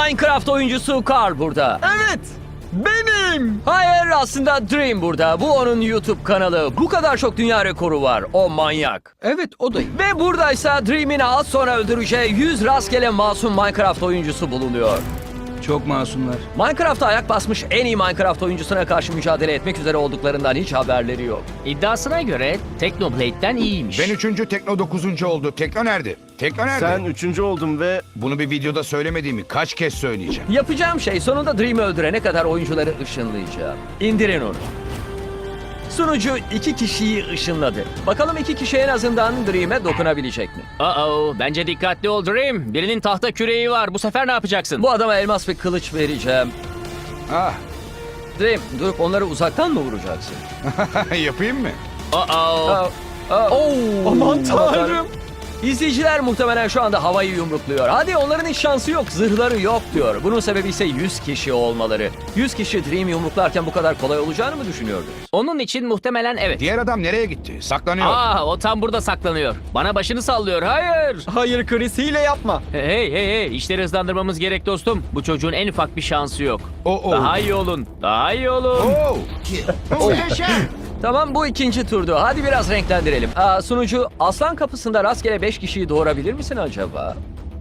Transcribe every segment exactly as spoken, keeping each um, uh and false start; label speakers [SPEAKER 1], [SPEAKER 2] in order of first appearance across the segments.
[SPEAKER 1] Minecraft oyuncusu Carl burada.
[SPEAKER 2] Evet, benim.
[SPEAKER 1] Hayır, aslında Dream burada. Bu onun YouTube kanalı. Bu kadar çok dünya rekoru var. O manyak.
[SPEAKER 2] Evet, o da.
[SPEAKER 1] Ve buradaysa Dream'in az sonra öldüreceği yüz rastgele masum Minecraft oyuncusu bulunuyor.
[SPEAKER 2] Çok masumlar.
[SPEAKER 1] Minecraft'a ayak basmış en iyi Minecraft oyuncusuna karşı mücadele etmek üzere olduklarından hiç haberleri yok.
[SPEAKER 3] İddiasına göre Technoblade'den iyiymiş.
[SPEAKER 4] Ben üçüncü, Tekno dokuzuncu oldu. Tekno nerede? Tekno nerede?
[SPEAKER 5] Sen üçüncü oldun ve
[SPEAKER 4] Bunu bir videoda söylemediğimi kaç kez söyleyeceğim.
[SPEAKER 1] Yapacağım şey sonunda Dream'i öldürene kadar oyuncuları ışınlayacağım. İndirin onu. Sunucu iki kişiyi ışınladı. Bakalım iki kişi en azından Dream'e dokunabilecek mi?
[SPEAKER 3] Uh-oh, bence dikkatli ol Dream. Birinin tahta küreği var. Bu sefer ne yapacaksın?
[SPEAKER 1] Bu adama elmas bir kılıç vereceğim.
[SPEAKER 4] Ah,
[SPEAKER 1] Dream, durup onları uzaktan mı vuracaksın?
[SPEAKER 4] yapayım mı?
[SPEAKER 3] Uh-oh.
[SPEAKER 1] Oo.
[SPEAKER 2] Aman tanrım.
[SPEAKER 1] İzleyiciler muhtemelen şu anda havayı yumrukluyor. Hadi onların hiç şansı yok, zırhları yok diyor. Bunun sebebi ise yüz kişi olmaları. yüz kişi Dream yumruklarken bu kadar kolay olacağını mı düşünüyordunuz?
[SPEAKER 3] Onun için muhtemelen evet.
[SPEAKER 4] Diğer adam nereye gitti? Saklanıyor.
[SPEAKER 3] Aa, o tam burada saklanıyor. Bana başını sallıyor. Hayır.
[SPEAKER 2] Hayır Chris, hile yapma.
[SPEAKER 3] Hey hey hey, işleri hızlandırmamız gerek dostum. Bu çocuğun en ufak bir şansı yok.
[SPEAKER 4] Oo, oo.
[SPEAKER 3] Daha iyi olun. Daha iyi olun.
[SPEAKER 4] Oo. Muhteşem.
[SPEAKER 1] Tamam, bu ikinci turdu. Hadi biraz renklendirelim. Aa, sunucu, aslan kapısında rastgele beş kişiyi doğurabilir misin acaba?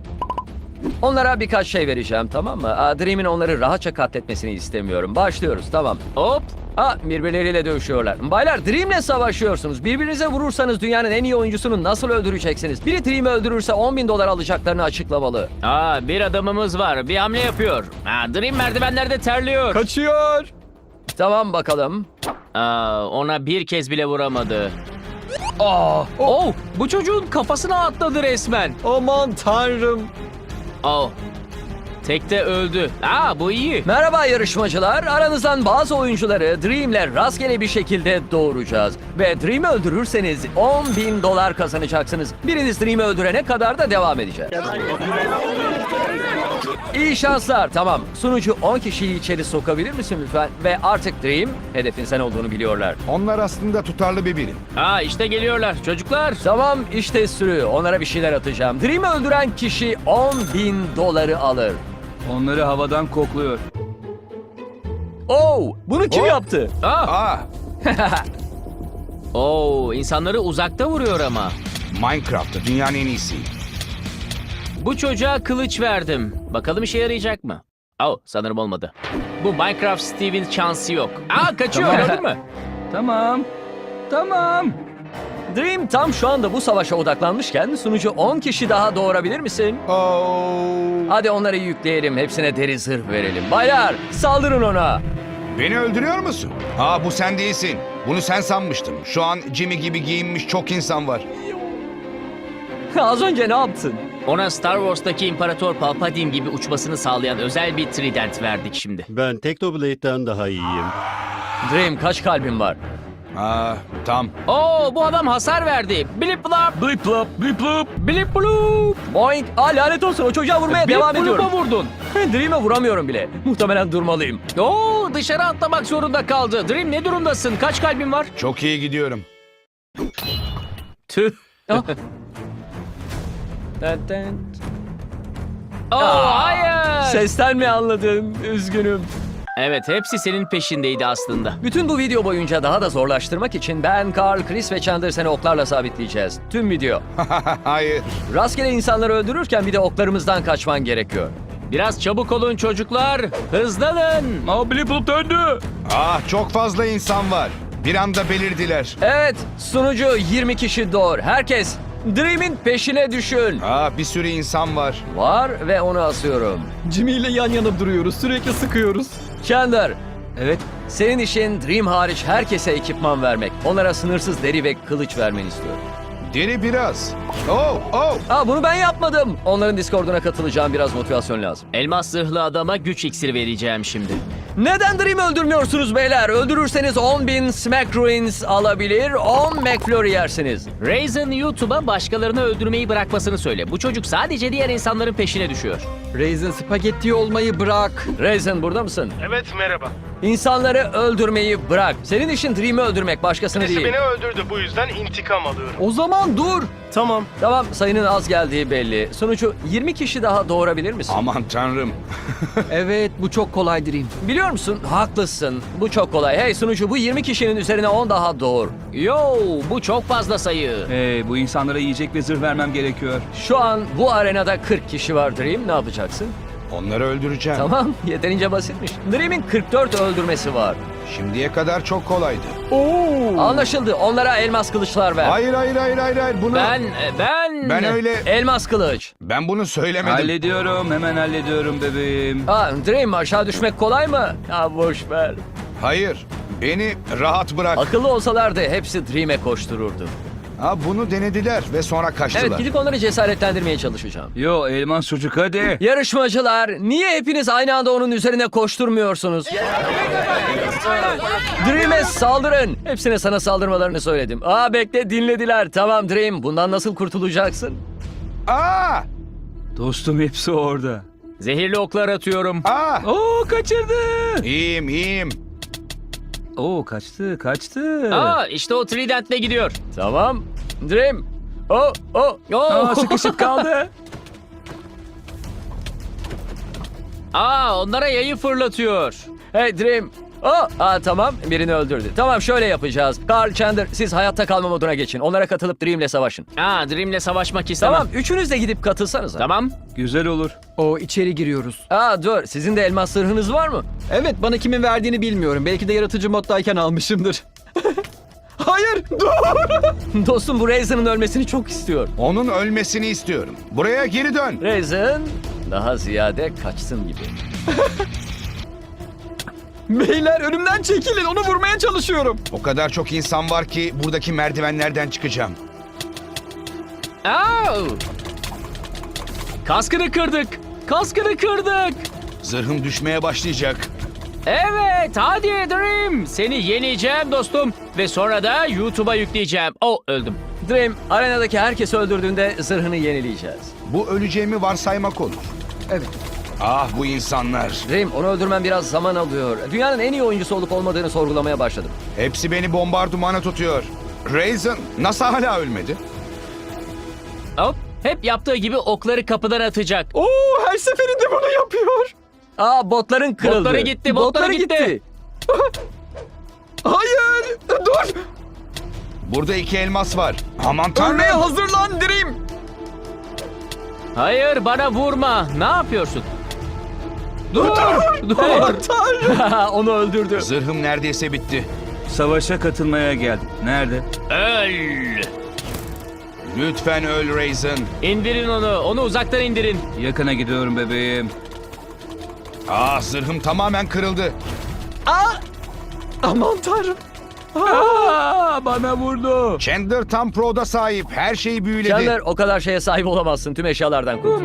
[SPEAKER 1] Onlara birkaç şey vereceğim, tamam mı? Aa, Dream'in onları rahatça katletmesini istemiyorum. Başlıyoruz, tamam.
[SPEAKER 3] Hop.
[SPEAKER 1] Aa, birbirleriyle dövüşüyorlar. Baylar, Dream'le savaşıyorsunuz. Birbirinize vurursanız dünyanın en iyi oyuncusunu nasıl öldüreceksiniz? Biri Dream'i öldürürse on bin dolar alacaklarını açıklamalı.
[SPEAKER 3] Aa, bir adamımız var. Bir hamle yapıyor. Aa, Dream merdivenlerde terliyor.
[SPEAKER 2] Kaçıyor.
[SPEAKER 1] Tamam bakalım.
[SPEAKER 3] Aa, ona bir kez bile vuramadı. Aa, oh, bu çocuğun kafasına atladı resmen.
[SPEAKER 2] Aman tanrım.
[SPEAKER 3] Oh. Tekte öldü. Aa, bu iyi.
[SPEAKER 1] Merhaba yarışmacılar. Aranızdan bazı oyuncuları Dream'le rastgele bir şekilde doğuracağız. Ve Dream'i öldürürseniz on bin dolar kazanacaksınız. Biriniz Dream'i öldürene kadar da devam edeceğiz. İyi şanslar. Tamam. Sunucu on kişiyi içeri sokabilir misin lütfen? Ve artık Dream, hedefin sen olduğunu biliyorlar.
[SPEAKER 4] Onlar aslında tutarlı bir birim.
[SPEAKER 3] Aa, işte geliyorlar çocuklar.
[SPEAKER 1] Tamam, işte sürü. Onlara bir şeyler atacağım. Dream'i öldüren kişi on bin doları alır.
[SPEAKER 2] Onları havadan kokluyor.
[SPEAKER 1] Oo, bunu kim
[SPEAKER 4] Oh.
[SPEAKER 1] yaptı?
[SPEAKER 3] Aa,
[SPEAKER 4] Ah,
[SPEAKER 3] oo, insanları uzakta vuruyor ama.
[SPEAKER 4] Minecraft'ta dünyanın en iyisi.
[SPEAKER 3] Bu çocuğa kılıç verdim. Bakalım işe yarayacak mı? Oh, sanırım olmadı. Bu Minecraft Steve'in şansı yok. Aa, kaçıyor,
[SPEAKER 1] Tamam.
[SPEAKER 3] gördün mü?
[SPEAKER 2] Tamam. Tamam.
[SPEAKER 1] Dream tam şu anda bu savaşa odaklanmışken sunucu on kişi daha doğurabilir misin?
[SPEAKER 4] Oo.
[SPEAKER 1] Hadi onları yükleyelim, hepsine deri zırh verelim. Baylar, saldırın ona.
[SPEAKER 4] Beni öldürüyor musun? Ha, bu sen değilsin. Bunu sen sanmıştım. Şu an Jimmy gibi giyinmiş çok insan var.
[SPEAKER 1] Az önce ne yaptın?
[SPEAKER 3] Ona Star Wars'taki İmparator Palpatine gibi uçmasını sağlayan özel bir trident verdik şimdi.
[SPEAKER 5] ben Technoblade'den daha iyiyim.
[SPEAKER 1] Dream, kaç kalbin var?
[SPEAKER 4] Ha, tam.
[SPEAKER 3] Oo, bu adam hasar verdi. Blip blap.
[SPEAKER 1] Blip blop, blip blop.
[SPEAKER 3] Blip bloop.
[SPEAKER 1] Boing. Aa, lanet olsun, o çocuğa vurmaya
[SPEAKER 3] Blip
[SPEAKER 1] devam
[SPEAKER 3] bloop'a
[SPEAKER 1] ediyorum.
[SPEAKER 3] vurdun.
[SPEAKER 1] Dream'e vuramıyorum bile. Muhtemelen durmalıyım.
[SPEAKER 3] Oo, dışarı atlamak zorunda kaldı. Dream, ne durumdasın? Kaç kalbin var?
[SPEAKER 4] Çok iyi gidiyorum.
[SPEAKER 3] Tüh.
[SPEAKER 1] Ah. Dın dın.
[SPEAKER 3] Oo,
[SPEAKER 1] Aa,
[SPEAKER 3] hayır.
[SPEAKER 1] Sesten mi anladın? Üzgünüm.
[SPEAKER 3] Evet, hepsi senin peşindeydi aslında.
[SPEAKER 1] Bütün bu video boyunca daha da zorlaştırmak için ben, Carl, Chris ve Chandler seni oklarla sabitleyeceğiz. Tüm video.
[SPEAKER 4] Hayır.
[SPEAKER 1] Rastgele insanları öldürürken bir de oklarımızdan kaçman gerekiyor.
[SPEAKER 3] Biraz çabuk olun çocuklar. Hızlanın.
[SPEAKER 2] Aa, Blip Bloop döndü.
[SPEAKER 4] Ah, çok fazla insan var. Bir anda belirdiler.
[SPEAKER 1] Evet, sunucu yirmi kişi doğur. Herkes Dream'in peşine düşün.
[SPEAKER 4] Ah, bir sürü insan var.
[SPEAKER 1] Var ve onu asıyorum.
[SPEAKER 2] Jimmy ile yan yana duruyoruz. Sürekli sıkıyoruz.
[SPEAKER 1] Chandler,
[SPEAKER 2] Evet.
[SPEAKER 1] senin işin Dream hariç herkese ekipman vermek. Onlara sınırsız deri ve kılıç vermeni istiyorum.
[SPEAKER 4] Deri biraz. Oh, oh.
[SPEAKER 1] Aa, bunu ben yapmadım. Onların Discord'una katılacağım, biraz motivasyon lazım.
[SPEAKER 3] Elmas zırhlı adama güç iksiri vereceğim şimdi.
[SPEAKER 1] Neden Dream'i öldürmüyorsunuz beyler? Öldürürseniz on bin Smack Ruins alabilir, on McFlurry yersiniz.
[SPEAKER 3] Raisin YouTube'a başkalarını öldürmeyi bırakmasını söyle. Bu çocuk sadece diğer insanların peşine düşüyor.
[SPEAKER 2] Raisin spagetti olmayı bırak.
[SPEAKER 1] Raisin, burada mısın?
[SPEAKER 6] Evet, merhaba.
[SPEAKER 1] İnsanları öldürmeyi bırak. Senin işin Dream'i öldürmek, başkasını
[SPEAKER 6] Birisi
[SPEAKER 1] değil.
[SPEAKER 6] beni öldürdü, bu yüzden intikam alıyorum.
[SPEAKER 2] O zaman dur.
[SPEAKER 5] Tamam.
[SPEAKER 1] Tamam, sayının az geldiği belli. Sunucu, yirmi kişi daha doğurabilir misin?
[SPEAKER 4] Aman tanrım.
[SPEAKER 2] Evet, bu çok kolay Dream.
[SPEAKER 1] Biliyor musun? Haklısın. Bu çok kolay. Hey sunucu, bu yirmi kişinin üzerine on daha doğur.
[SPEAKER 3] Yo, bu çok fazla sayı.
[SPEAKER 2] Hey, bu insanlara yiyecek ve zırh vermem gerekiyor.
[SPEAKER 1] Şu an bu arenada kırk kişi var Dream. Ne yapacaksın?
[SPEAKER 4] Onları öldüreceğim.
[SPEAKER 1] Tamam, yeterince basitmiş. Dream'in kırk dört öldürmesi var.
[SPEAKER 4] Şimdiye kadar çok kolaydı.
[SPEAKER 1] Anlaşıldı. Onlara elmas kılıçlar ver.
[SPEAKER 4] Hayır hayır hayır hayır hayır bunu
[SPEAKER 3] Ben, ben...
[SPEAKER 4] ben öyle
[SPEAKER 1] Elmas kılıç.
[SPEAKER 4] ben bunu söylemedim.
[SPEAKER 2] Hallediyorum, hemen hallediyorum bebeğim.
[SPEAKER 1] Aa, Dream, aşağı düşmek kolay mı? Ha, boş ver.
[SPEAKER 4] Hayır. Beni rahat bırak.
[SPEAKER 1] Akıllı olsalardı hepsi Dream'e koştururdu.
[SPEAKER 4] Ha bunu denediler ve sonra kaçtılar.
[SPEAKER 1] Evet, gidip onları cesaretlendirmeye çalışacağım.
[SPEAKER 2] Yo, elmas çocuk hadi.
[SPEAKER 1] Yarışmacılar, niye hepiniz aynı anda onun üzerine koşturmuyorsunuz? Dream'e saldırın. Hepsine sana saldırmalarını söyledim. Aa bekle, dinlediler. Tamam Dream, bundan nasıl kurtulacaksın?
[SPEAKER 4] Aa!
[SPEAKER 2] Dostum hepsi orada.
[SPEAKER 3] Zehirli oklar atıyorum.
[SPEAKER 4] Aa!
[SPEAKER 2] Oo, kaçırdı.
[SPEAKER 4] İyiyim iyiyim.
[SPEAKER 2] Oo, kaçtı, kaçtı.
[SPEAKER 3] Aa, işte o Trident'le gidiyor.
[SPEAKER 1] Tamam. Dream. Oh, oh.
[SPEAKER 2] Aa, sıkışıp kaldı.
[SPEAKER 3] Aa, onlara yayı fırlatıyor.
[SPEAKER 1] Hey Dream. Oh, aa, tamam, birini öldürdü. Tamam, şöyle yapacağız. Carl, Chandler, siz hayatta kalma moduna geçin. Onlara katılıp Dream'le savaşın.
[SPEAKER 3] Aa, Dream'le savaşmak istemem.
[SPEAKER 1] Tamam, üçünüz de gidip katılsanız.
[SPEAKER 3] Tamam.
[SPEAKER 2] Güzel olur. O içeri giriyoruz.
[SPEAKER 1] Aa dur, sizin de elmas zırhınız var mı?
[SPEAKER 2] Evet, bana kimin verdiğini bilmiyorum. Belki de yaratıcı moddayken almışımdır. Hayır, dur.
[SPEAKER 1] Dostum, bu Raisin'in ölmesini çok istiyor.
[SPEAKER 4] Onun ölmesini istiyorum. Buraya geri dön.
[SPEAKER 1] Raisin daha ziyade kaçsın gibi.
[SPEAKER 2] Beyler önümden çekilin, onu vurmaya çalışıyorum.
[SPEAKER 4] O kadar çok insan var ki buradaki merdivenlerden çıkacağım.
[SPEAKER 3] Aa! Kaskını kırdık. Kaskını kırdık.
[SPEAKER 4] Zırhım düşmeye başlayacak.
[SPEAKER 3] Evet, hadi Dream. Seni yeneceğim dostum. Ve sonra da YouTube'a yükleyeceğim. Oh, öldüm.
[SPEAKER 1] Dream, arenadaki herkesi öldürdüğünde zırhını yenileyeceğiz.
[SPEAKER 4] Bu öleceğimi varsaymak olur.
[SPEAKER 2] Evet.
[SPEAKER 4] Ah bu insanlar.
[SPEAKER 1] Dream, onu öldürmen biraz zaman alıyor. Dünyanın en iyi oyuncusu olup olmadığını sorgulamaya başladım.
[SPEAKER 4] Hepsi beni bombardımana tutuyor. Raisin nasıl hala ölmedi?
[SPEAKER 3] Hop, hep yaptığı gibi okları kapıdan atacak.
[SPEAKER 2] Oo, her seferinde bunu yapıyor.
[SPEAKER 1] Aa, botların kırıldı.
[SPEAKER 3] Botları gitti, botları gitti.
[SPEAKER 2] Hayır, dur.
[SPEAKER 4] Burada iki elmas var. Aman tanrım.
[SPEAKER 2] Ölmeye hazırlan Dream.
[SPEAKER 3] Hayır, bana vurma. Ne yapıyorsun?
[SPEAKER 2] Dur, dur. Tanrım.
[SPEAKER 1] Onu öldürdü.
[SPEAKER 4] Zırhım neredeyse bitti.
[SPEAKER 2] Savaşa katılmaya geldim. Nerede?
[SPEAKER 3] Öl.
[SPEAKER 4] Lütfen öl Raisin.
[SPEAKER 3] İndirin onu. Onu uzaktan indirin.
[SPEAKER 2] Yakına gidiyorum bebeğim.
[SPEAKER 4] Ah zırhım tamamen kırıldı.
[SPEAKER 2] Aman tanrım. Aa, bana vurdu.
[SPEAKER 4] Chandler tam pro'da sahip. Her şeyi büyüledi.
[SPEAKER 1] Chandler, o kadar şeye sahip olamazsın. Tüm eşyalardan kurtul.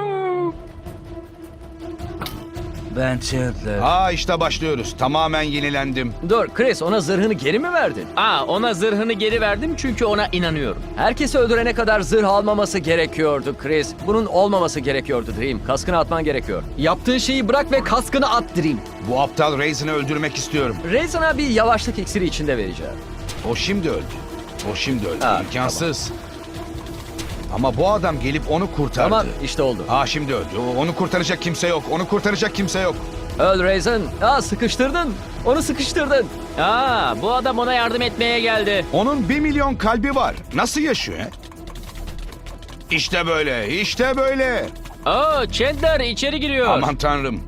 [SPEAKER 2] Ben Chandler.
[SPEAKER 4] Aa işte başlıyoruz. Tamamen yenilendim.
[SPEAKER 1] Dur, Chris, ona zırhını geri mi verdin?
[SPEAKER 3] Aa, ona zırhını geri verdim çünkü ona inanıyorum.
[SPEAKER 1] Herkesi öldürene kadar zırh almaması gerekiyordu Chris. Bunun olmaması gerekiyordu Dream. Kaskını atman gerekiyor.
[SPEAKER 2] Yaptığın şeyi bırak ve kaskını at Dream.
[SPEAKER 4] Bu aptal Raisin'i öldürmek istiyorum.
[SPEAKER 1] Raisin'a bir yavaşlık iksiri içinde vereceğim.
[SPEAKER 4] O şimdi öldü. O şimdi öldü.
[SPEAKER 1] Ha,
[SPEAKER 4] İmkansız. Ama bu adam gelip onu kurtardı.
[SPEAKER 1] Tamam, işte oldu.
[SPEAKER 4] Aa şimdi öldü. O- Onu kurtaracak kimse yok. Onu kurtaracak kimse yok.
[SPEAKER 1] Öl Raisin. Aa, sıkıştırdın. Onu sıkıştırdın.
[SPEAKER 3] Aa, bu adam ona yardım etmeye geldi.
[SPEAKER 4] Onun bir milyon kalbi var. Nasıl yaşıyor? he? İşte böyle. İşte böyle.
[SPEAKER 3] Aa, Chandler içeri giriyor.
[SPEAKER 4] Aman tanrım.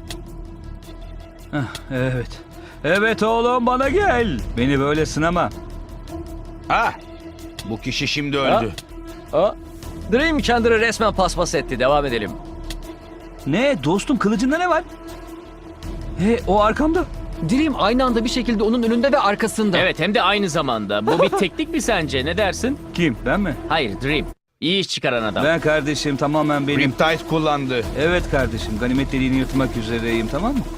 [SPEAKER 2] Evet. Evet oğlum, bana gel. Beni böyle sınama.
[SPEAKER 4] Ha. Bu kişi şimdi öldü.
[SPEAKER 1] Aa, Dream Chandler'ı resmen paspas etti. Devam edelim.
[SPEAKER 2] Ne dostum, kılıcında ne var? He, o arkamda.
[SPEAKER 6] Dream aynı anda bir şekilde onun önünde ve arkasında.
[SPEAKER 3] Evet, hem de aynı zamanda. Bu bir teknik mi sence? Ne dersin?
[SPEAKER 2] Kim, ben mi?
[SPEAKER 3] Hayır, Dream. İyi iş çıkaran adam.
[SPEAKER 2] Ben kardeşim, tamamen benim.
[SPEAKER 4] Riptide kullandı.
[SPEAKER 2] Evet kardeşim, ganimet deliğini yırtmak üzereyim, tamam mı?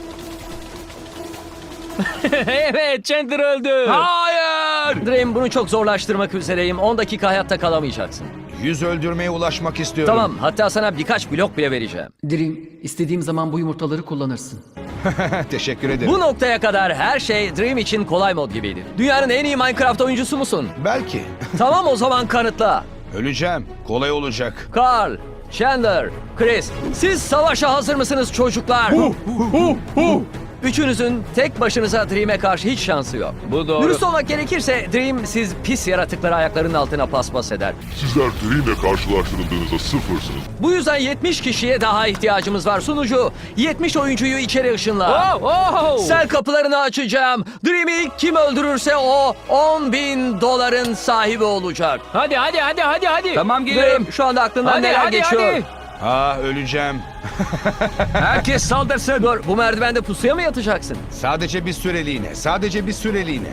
[SPEAKER 3] Evet, Chandler öldü.
[SPEAKER 2] Hayır!
[SPEAKER 1] Dream, bunu çok zorlaştırmak üzereyim. on dakika hayatta kalamayacaksın.
[SPEAKER 4] Yüz öldürmeye ulaşmak istiyorum.
[SPEAKER 1] Tamam, hatta sana birkaç blok bile vereceğim.
[SPEAKER 6] Dream, istediğim zaman bu yumurtaları kullanırsın.
[SPEAKER 4] Teşekkür ederim.
[SPEAKER 1] Bu noktaya kadar her şey Dream için kolay mod gibiydi. Dünyanın en iyi Minecraft oyuncusu musun?
[SPEAKER 4] Belki.
[SPEAKER 1] Tamam, o zaman kanıtla.
[SPEAKER 4] Öleceğim. Kolay olacak.
[SPEAKER 1] Carl, Chandler, Chris, siz savaşa hazır mısınız çocuklar? Üçünüzün tek başınıza Dream'e karşı hiç şansı yok.
[SPEAKER 3] Bu doğru.
[SPEAKER 1] Dürüst olmak gerekirse Dream siz pis yaratıkları ayaklarının altına paspas eder.
[SPEAKER 7] Sizler Dream'le karşılaştırıldığınızda sıfırsınız.
[SPEAKER 1] Bu yüzden yetmiş kişiye daha ihtiyacımız var. Sunucu yetmiş oyuncuyu içeri ışınla.
[SPEAKER 3] Oh, oh.
[SPEAKER 1] Sel kapılarını açacağım. Dream'i ilk kim öldürürse o on bin doların sahibi olacak.
[SPEAKER 3] Hadi hadi hadi hadi hadi.
[SPEAKER 2] Tamam
[SPEAKER 1] Dream şu anda aklından
[SPEAKER 3] Hadi
[SPEAKER 1] neler
[SPEAKER 3] hadi
[SPEAKER 1] geçiyor?
[SPEAKER 3] hadi.
[SPEAKER 4] Ah öleceğim.
[SPEAKER 1] Herkes saldırsın. Dur, bu merdivende pusuya mı yatacaksın?
[SPEAKER 4] Sadece bir süreliğine. Sadece bir süreliğine.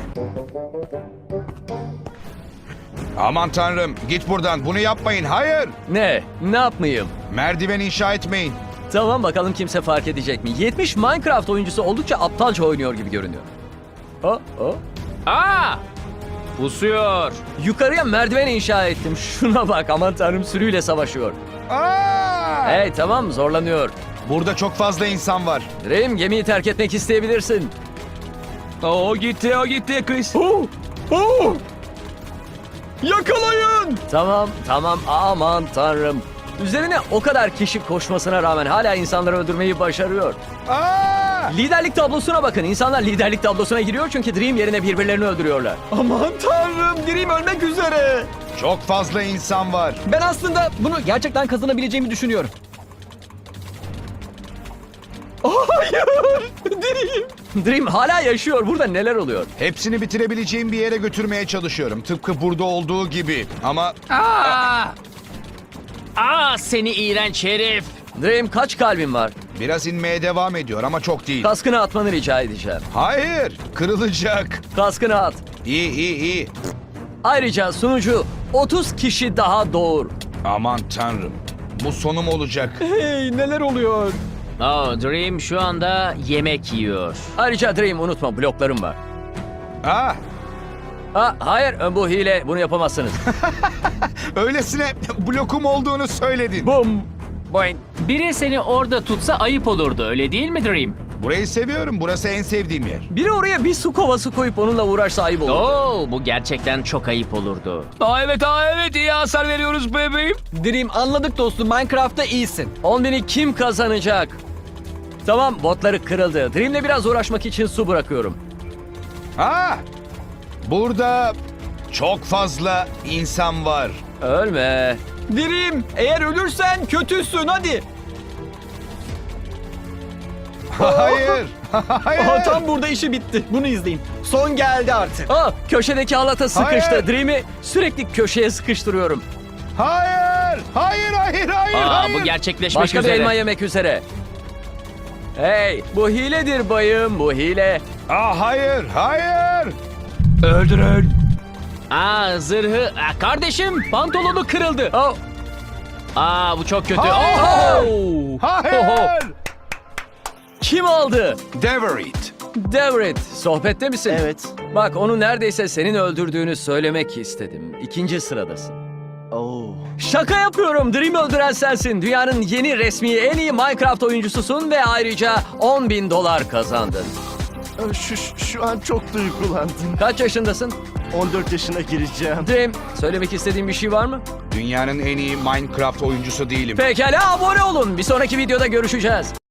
[SPEAKER 4] Aman tanrım git buradan. Bunu yapmayın. Hayır.
[SPEAKER 1] Ne? Ne yapmayayım?
[SPEAKER 4] Merdiven inşa etmeyin.
[SPEAKER 1] Tamam bakalım kimse fark edecek mi? yetmiş Minecraft oyuncusu oldukça aptalca oynuyor gibi görünüyor. Oh, oh.
[SPEAKER 3] Aa! Pusuyor.
[SPEAKER 1] Yukarıya merdiven inşa ettim. Şuna bak, aman tanrım, sürüyle savaşıyor.
[SPEAKER 4] Aa!
[SPEAKER 1] Hey tamam, zorlanıyor.
[SPEAKER 4] Burada çok fazla insan var.
[SPEAKER 1] Dream, gemiyi terk etmek isteyebilirsin.
[SPEAKER 2] O gitti, o gitti Chris. Oh, oh. Yakalayın.
[SPEAKER 1] Tamam, tamam, aman tanrım. Üzerine o kadar kişi koşmasına rağmen hala insanları öldürmeyi başarıyor.
[SPEAKER 4] Aa!
[SPEAKER 1] Liderlik tablosuna bakın. İnsanlar liderlik tablosuna giriyor çünkü Dream yerine birbirlerini öldürüyorlar.
[SPEAKER 2] Aman tanrım, Dream ölmek üzere.
[SPEAKER 4] Çok fazla insan var.
[SPEAKER 2] Ben aslında bunu gerçekten kazanabileceğimi düşünüyorum. Hayır, Dream.
[SPEAKER 1] Dream hala yaşıyor. Burada neler oluyor?
[SPEAKER 4] Hepsini bitirebileceğim bir yere götürmeye çalışıyorum. Tıpkı burada olduğu gibi. Ama
[SPEAKER 3] Aa! Aa seni iğrenç herif.
[SPEAKER 1] Dream, kaç kalbin var?
[SPEAKER 4] biraz inmeye devam ediyor ama çok değil.
[SPEAKER 1] Kaskını atmanı rica edeceğim.
[SPEAKER 4] Hayır, kırılacak.
[SPEAKER 1] Kaskını at.
[SPEAKER 4] İyi iyi iyi.
[SPEAKER 1] Ayrıca sunucu otuz kişi daha doğur.
[SPEAKER 4] Aman tanrım. Bu sonum olacak.
[SPEAKER 2] Hey, neler oluyor?
[SPEAKER 3] Oh, Dream şu anda yemek yiyor.
[SPEAKER 1] Ayrıca Dream, unutma, bloklarım var.
[SPEAKER 4] Ah,
[SPEAKER 1] Ha, hayır, bu hile, bunu yapamazsınız.
[SPEAKER 4] öylesine blokum olduğunu söyledin.
[SPEAKER 1] Bum. Boing.
[SPEAKER 3] Biri seni orada tutsa ayıp olurdu, öyle değil mi Dream?
[SPEAKER 4] Burayı seviyorum. Burası en sevdiğim yer.
[SPEAKER 1] Biri oraya bir su kovası koyup onunla uğraşsa ayıp olur.
[SPEAKER 3] Oo, bu gerçekten çok ayıp olurdu.
[SPEAKER 2] Aa, evet, aa, evet, iyi hasar veriyoruz bebeğim. Dream, anladık dostum, Minecraft'ta iyisin.
[SPEAKER 1] on bini kim kazanacak? Tamam, botları kırıldı. Dream'le biraz uğraşmak için su bırakıyorum.
[SPEAKER 4] Ah, burada çok fazla insan var.
[SPEAKER 1] Ölme.
[SPEAKER 2] Dream, eğer ölürsen kötüsün, hadi.
[SPEAKER 4] Hayır. Hayır.
[SPEAKER 2] Aha, tam burada işi bitti. Bunu izleyin. Son geldi artık.
[SPEAKER 1] Aa, köşedeki halata sıkıştı.
[SPEAKER 4] Hayır.
[SPEAKER 1] Dream'i sürekli köşeye sıkıştırıyorum.
[SPEAKER 4] Hayır. Hayır, hayır, hayır,
[SPEAKER 3] Aa,
[SPEAKER 4] hayır.
[SPEAKER 3] bu gerçekleşmek
[SPEAKER 1] Başka bir
[SPEAKER 3] üzere.
[SPEAKER 1] elma yemek üzere. Hey, bu hiledir bayım, bu hile.
[SPEAKER 4] Ah, hayır, hayır.
[SPEAKER 2] Öldürün.
[SPEAKER 3] Aa, zırhı. Aa, kardeşim, pantolonu kırıldı.
[SPEAKER 1] Oh,
[SPEAKER 3] Aa, bu çok kötü.
[SPEAKER 4] Hayır.
[SPEAKER 3] Oh!
[SPEAKER 4] Hayır.
[SPEAKER 1] kim aldı?
[SPEAKER 4] Deverit.
[SPEAKER 1] Devrit, sohbette misin?
[SPEAKER 5] Evet.
[SPEAKER 1] Bak, onu neredeyse senin öldürdüğünü söylemek istedim. İkinci sıradasın.
[SPEAKER 5] Oo.
[SPEAKER 1] Şaka yapıyorum. Dream öldüren sensin. Dünyanın yeni resmi en iyi Minecraft oyuncususun ve ayrıca on bin dolar kazandın.
[SPEAKER 5] Şu, şu an çok duygulandım.
[SPEAKER 1] Kaç yaşındasın?
[SPEAKER 5] on dört yaşına gireceğim.
[SPEAKER 1] Dream, söylemek istediğin bir şey var mı?
[SPEAKER 4] Dünyanın en iyi Minecraft oyuncusu değilim.
[SPEAKER 1] Pekala, abone olun. Bir sonraki videoda görüşeceğiz.